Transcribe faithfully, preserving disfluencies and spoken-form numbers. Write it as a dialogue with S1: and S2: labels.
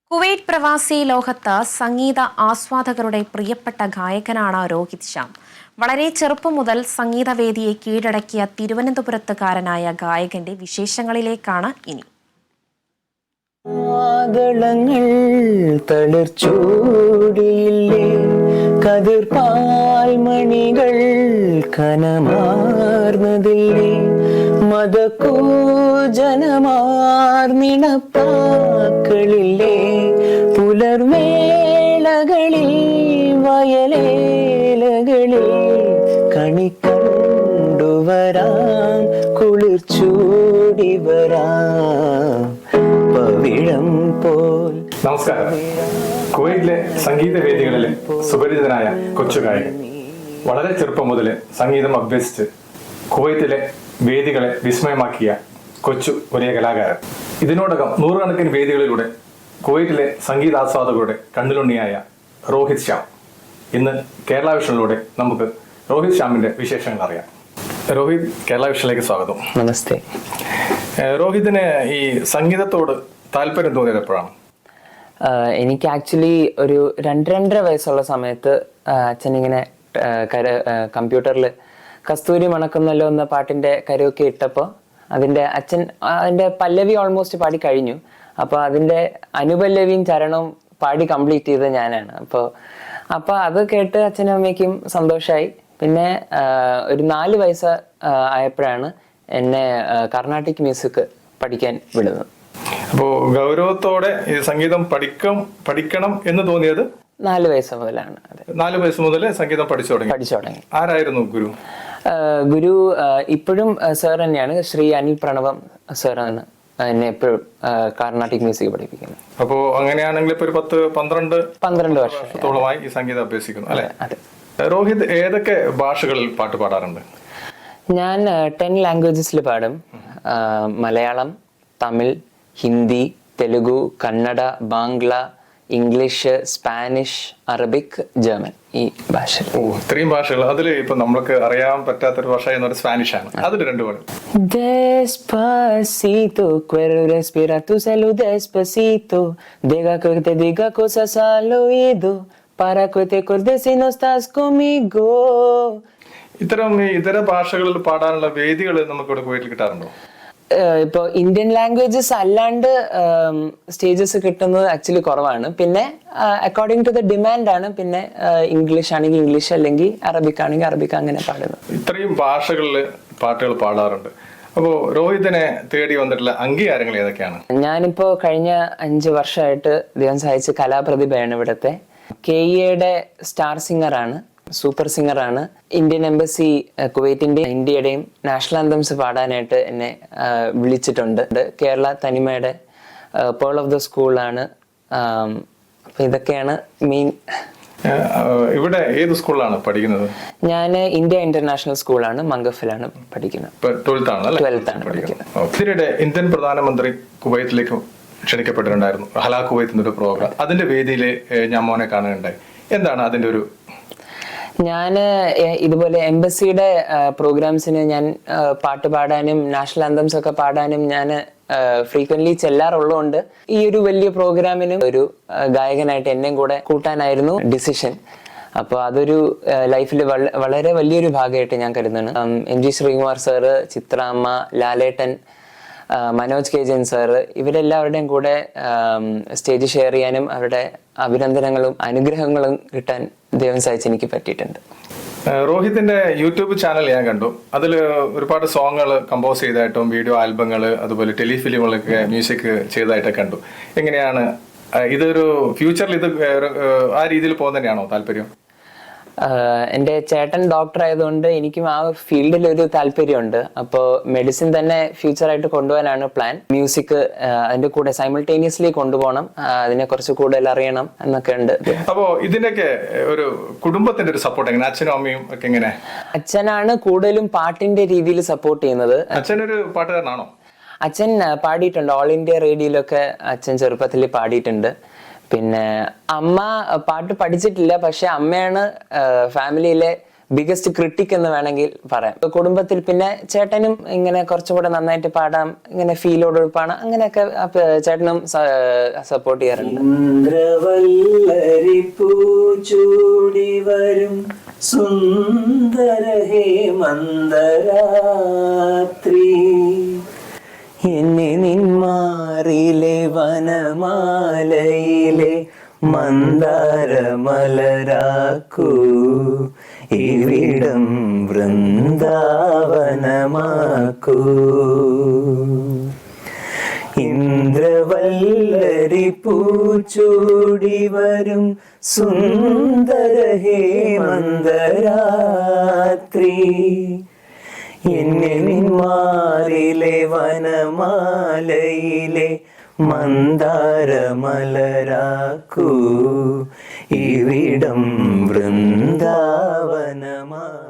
S1: Kuwait പ്രവാസി ലോകത്ത് സംഗീത ആസ്വാദകരുടെ പ്രിയപ്പെട്ട ഗായകനാണ് രോഹിത് ശ്യാം. വളരെ ചെറുപ്പം മുതൽ സംഗീതവേദിയെ കീഴടക്കിയ തിരുവനന്തപുരത്തുകാരനായ ഗായകന്റെ വിശേഷങ്ങളിലേക്കാണ് ഇനി.
S2: ആദളങ്ങൾ തളിർച്ചൂടിയില്ലേ, കതിർപാൽമണികൾ കനമാർന്നതില്ലേ, മതകൂജനമാർന്നിണപ്പാക്കളില്ലേ, പുലർവേളകളിൽ വയലേലകളിൽ കണിക്കണ്ടുവരാം, കുളിർച്ചൂടി വരാം പവിഴം പോൽ.
S3: നമസ്കാരം. കുവൈറ്റിലെ സംഗീത വേദികളിലെ സുപരിചിതനായ കൊച്ചു ഗായകൻ. വളരെ ചെറുപ്പം മുതൽ സംഗീതം അഭ്യസിച്ച് കുവൈറ്റിലെ വേദികളെ വിസ്മയമാക്കിയ കൊച്ചു ഒരേ കലാകാരൻ. ഇതിനോടകം നൂറുകണക്കിന് വേദികളിലൂടെ കുവൈറ്റിലെ സംഗീതാസ്വാദകരുടെ കണ്ണിലുണ്ണിയായ രോഹിത് ശ്യാം. ഇന്ന് കേരള വിഷനിലൂടെ നമുക്ക് രോഹിത് ശ്യാമിന്റെ വിശേഷങ്ങൾ അറിയാം. രോഹിത്, കേരള വിഷനിലേക്ക് സ്വാഗതം.
S2: നമസ്തേ.
S3: രോഹിതിന് ഈ സംഗീതത്തോട് താല്പര്യം തോന്നിയത് എപ്പോഴാണ്?
S2: എനിക്ക് ആക്ച്വലി ഒരു രണ്ട് രണ്ടര വയസ്സുള്ള സമയത്ത് അച്ഛനിങ്ങനെ കര കമ്പ്യൂട്ടറിൽ കസ്തൂരി മണക്കുന്നല്ലോ എന്ന പാട്ടിന്റെ കരോക്കെ ഇട്ടപ്പോൾ അതിന്റെ അച്ഛൻ അതിന്റെ പല്ലവി ഓൾമോസ്റ്റ് പാടി കഴിഞ്ഞു. അപ്പോൾ അതിന്റെ അനുപല്ലവിയും ചരണവും പാടി കംപ്ലീറ്റ് ചെയ്തത് ഞാനാണ്. അപ്പോൾ അപ്പോൾ അത് കേട്ട് അച്ഛനും അമ്മയ്ക്കും സന്തോഷമായി. പിന്നെ ഒരു നാല് വയസ്സ് ആയപ്പോഴാണ് എന്നെ കർണാട്ടിക് മ്യൂസിക് പഠിക്കാൻ വിടുന്നത്.
S3: അപ്പോൾ ഗൗരവത്തോടെ ഈ സംഗീതം പഠിക്കും പഠിക്കണം എന്ന് തോന്നിയത്
S2: നാല് വയസ്സ് മുതലാണ്.
S3: നാല് വയസ്സ് മുതൽ സംഗീതം പഠിച്ചു തുടങ്ങി
S2: പഠിച്ചു തുടങ്ങി
S3: ആരായിരുന്നു ഗുരു?
S2: ഗുരു ഇപ്പോഴും സാർ തന്നെയാണ്, ശ്രീ അനിൽ പ്രണവം സാറാണ് എന്നെ എപ്പോഴും കർണാട്ടിക് മ്യൂസിക് പഠിപ്പിക്കുന്നത്.
S3: അപ്പോ അങ്ങനെയാണെങ്കിൽ ഇപ്പൊ ഒരു പത്ത് പന്ത്രണ്ട്
S2: പന്ത്രണ്ട് വർഷത്തോളമായി
S3: ഈ സംഗീതം അഭ്യസിക്കുന്നു അല്ലെ? രോഹിത് ഏതൊക്കെ ഭാഷകളിൽ പാട്ട് പാടാറുണ്ട്?
S2: ഞാൻ ടെൻ ലാംഗ്വേജസിൽ പാടും. Malayalam, Tamil, Hindi, Telugu, Kannada, Bangla, English, Spanish, Arabic, German, ഈ ഭാഷ.
S3: ഓ, ഇത്രയും ഭാഷകൾ. അതിൽ ഇപ്പൊ നമ്മൾക്ക് അറിയാൻ പറ്റാത്തൊരു ഭാഷ എന്ന് പറയുന്നത് സ്പാനിഷ് ആണ്. അതിൽ രണ്ടു പാടും.
S2: Despacito, quiero respirar tu salud despacito, diga que te diga cosas al oído, para que te acuerdes si no estás conmigo.
S3: ഇത്തരം ഇതര ഭാഷകളിൽ പാടാനുള്ള വേദികൾ നമുക്ക് ഇവിടെ കുവൈറ്റിൽ കിട്ടാറുണ്ടോ?
S2: ഇപ്പോൾ ഇന്ത്യൻ ലാംഗ്വേജസ് അല്ലാണ്ട് സ്റ്റേജസ് കിട്ടുന്നത് ആക്ച്വലി കുറവാണ്. പിന്നെ അക്കോർഡിംഗ് ടു ദ ഡിമാൻഡ് ആണ്. പിന്നെ ഇംഗ്ലീഷ് ആണെങ്കിൽ ഇംഗ്ലീഷ്, അല്ലെങ്കിൽ അറബിക് ആണെങ്കിൽ അറബിക്, അങ്ങനെ പാടുന്നത്.
S3: ഇത്രയും ഭാഷകളിൽ പാട്ടുകൾ പാടാറുണ്ട്. അപ്പോ രോഹിതിനെ തേടി വന്നിട്ടുള്ള അംഗീകാരങ്ങൾ ഏതൊക്കെയാണ്?
S2: ഞാനിപ്പോ കഴിഞ്ഞ അഞ്ച് വർഷമായിട്ട് ദൈവം സഹായിച്ച് കലാപ്രതിഭയാണ് ഇവിടുത്തെ. കെ ഇയുടെ സ്റ്റാർ സിംഗറാണ്, സൂപ്പർ സിംഗറാണ്. ഇന്ത്യൻ എംബസി കുവൈറ്റിന്റെ ഇന്ത്യയുടെയും നാഷണൽ ആന്തംസ് പാടാനായിട്ട് എന്നെ വിളിച്ചിട്ടുണ്ട്. കേരള തനിമയുടെ പേൾ ഓഫ് ദ സ്കൂളാണ്. അപ്പൊ ഇതൊക്കെയാണ് മെയിൻ.
S3: ഇവിടെ ഏത് സ്കൂളിലാണ് പഠിക്കുന്നത്?
S2: ഞാൻ ഇന്ത്യ ഇന്റർനാഷണൽ സ്കൂളാണ്, മംഗഫിലാണ് പഠിക്കുന്നത്.
S3: ട്വൽത്ത് ആണ്
S2: ട്വൽത്ത് ആണ് പഠിക്കുന്നത്.
S3: ഇതിനിടെ ഇന്ത്യൻ പ്രധാനമന്ത്രി കുവൈറ്റിലേക്ക് ക്ഷണിക്കപ്പെട്ടിട്ടുണ്ടായിരുന്നു, ഹലാ കുവൈത്ത് എന്നൊരു പ്രോഗ്രാം. അതിന്റെ വേദിയിൽ ഞാൻ മോനെ കാണുകയുണ്ടായി. എന്താണ് അതിന്റെ ഒരു?
S2: ഞാൻ ഇതുപോലെ എംബസിയുടെ പ്രോഗ്രാംസിന് ഞാൻ പാട്ട് പാടാനും നാഷണൽ ആന്തംസ് ഒക്കെ പാടാനും ഞാൻ ഫ്രീക്വന്റ്ലി ചെല്ലാറുള്ളതുകൊണ്ട് ഈ ഒരു വലിയ പ്രോഗ്രാമിനും ഒരു ഗായകനായിട്ട് എന്നെയും കൂടെ കൂട്ടാനായിരുന്നു ഡിസിഷൻ. അപ്പോൾ അതൊരു ലൈഫിൽ വളരെ വലിയൊരു ഭാഗമായിട്ട് ഞാൻ കരുതുന്നു. എം ജി ശ്രീകുമാർ സാറ്, ചിത്രാമ്മ, ലാലേട്ടൻ, മനോജ് കെ ജെൻ സാറ്, ഇവരെല്ലാവരുടെയും കൂടെ സ്റ്റേജ് ഷെയർ ചെയ്യാനും അവരുടെ അഭിനന്ദനങ്ങളും അനുഗ്രഹങ്ങളും കിട്ടാൻ ദൈവം സഹായിച്ച് എനിക്ക് പറ്റിയിട്ടുണ്ട്.
S3: രോഹിതിന്റെ യൂട്യൂബ് ചാനൽ ഞാൻ കണ്ടു. അതിൽ ഒരുപാട് സോങ്ങുകൾ കമ്പോസ് ചെയ്തതായിട്ടും വീഡിയോ ആൽബങ്ങൾ, അതുപോലെ ടെലിഫിലിമുകളൊക്കെ മ്യൂസിക് ചെയ്തതായിട്ടൊക്കെ കണ്ടു. എങ്ങനെയാണ് ഇതൊരു ഫ്യൂച്ചറിൽ ഇത് ആ രീതിയിൽ പോകുന്ന തന്നെയാണോ താല്പര്യം?
S2: എൻ്റെ ചേട്ടൻ ഡോക്ടർ ആയതുകൊണ്ട് എനിക്കും ആ ഫീൽഡിൽ ഒരു താല്പര്യമുണ്ട്. അപ്പോൾ മെഡിസിൻ തന്നെ ഫ്യൂച്ചറായിട്ട് കൊണ്ടുപോകാനാണ് പ്ലാൻ. മ്യൂസിക് അതിന്റെ കൂടെ സൈമിൾട്ടേനിയസ്ലി കൊണ്ടുപോകണം, അതിനെ കുറച്ച് കൂടുതൽ അറിയണം എന്നൊക്കെ ഉണ്ട്.
S3: അപ്പോ ഇതിന്റെയൊക്കെ ഒരു കുടുംബത്തിന്റെ ഒരു സപ്പോർട്ട് എങ്ങനെ? അച്ഛനും അമ്മയും ഒക്കെ എങ്ങനെ?
S2: അച്ഛനാണ് കൂടുതലും പാട്ടിന്റെ രീതിയിൽ സപ്പോർട്ട് ചെയ്യുന്നത്.
S3: അച്ഛനൊരു പാട്ടുകാരനാണോ?
S2: അച്ഛൻ പാടിയിട്ടുണ്ട്, ഓൾ ഇന്ത്യ റേഡിയോയിലൊക്കെ അച്ഛൻ ചെറുപ്പത്തിൽ പാടിയിട്ടുണ്ട്. പിന്നെ അമ്മ പാട്ട് പഠിച്ചിട്ടില്ല, പക്ഷെ അമ്മയാണ് ഫാമിലിയിലെ ബിഗസ്റ്റ് ക്രിട്ടിക് എന്ന് വേണമെങ്കിൽ പറയാം. കുടുംബത്തിൽ പിന്നെ ചേട്ടനും ഇങ്ങനെ കുറച്ചുകൂടെ നന്നായിട്ട് പാടാം, ഇങ്ങനെ ഫീലോട് പാടാം, അങ്ങനെയൊക്കെ ചേട്ടനും സപ്പോർട്ട് ചെയ്യാറുണ്ട്.
S4: ഇന്ദ്രവല്ലരി പൂച്ചൂടി വരും സുന്ദര ഹേമന്തരാത്രി, എന്നെ നിന്മാറിലെ വനമാലയിലെ മന്ദാരമലരാക്കൂ, ഇവിടം വൃന്ദാവനമാക്കൂ. ഇന്ദ്രവല്ലരി പൂച്ചൂടി വരും സുന്ദര ഹേമന്തരാത്രി, എന്നെ നിന്മാറിലെ വനമാലയിലെ മന്ദാരമലരാക്കൂ, ഇവിടം വൃന്ദാവനമാ.